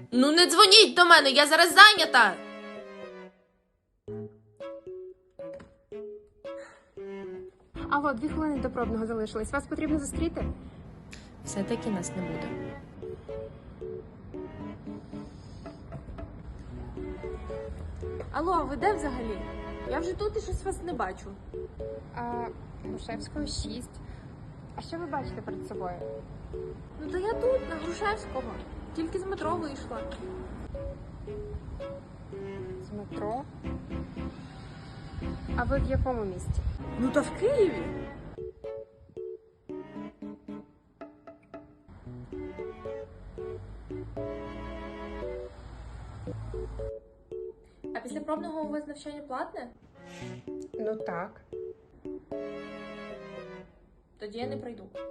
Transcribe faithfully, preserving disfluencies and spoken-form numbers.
Ну не дзвоніть до мене, я зараз зайнята. Алло, дві хвилини до пробного залишилось. Вас потрібно зустріти? Все-таки нас не буде. Алло, ви де взагалі? Я вже тут і щось вас не бачу. А, Грушевського шість. А що ви бачите перед собою? Ну та я тут, на Грушевського. Тільки з метро вийшла. З метро? А ви в якому місті? Ну та в Києві. А після пробного у вас навчання платне? Ну так. Тоді я не прийду.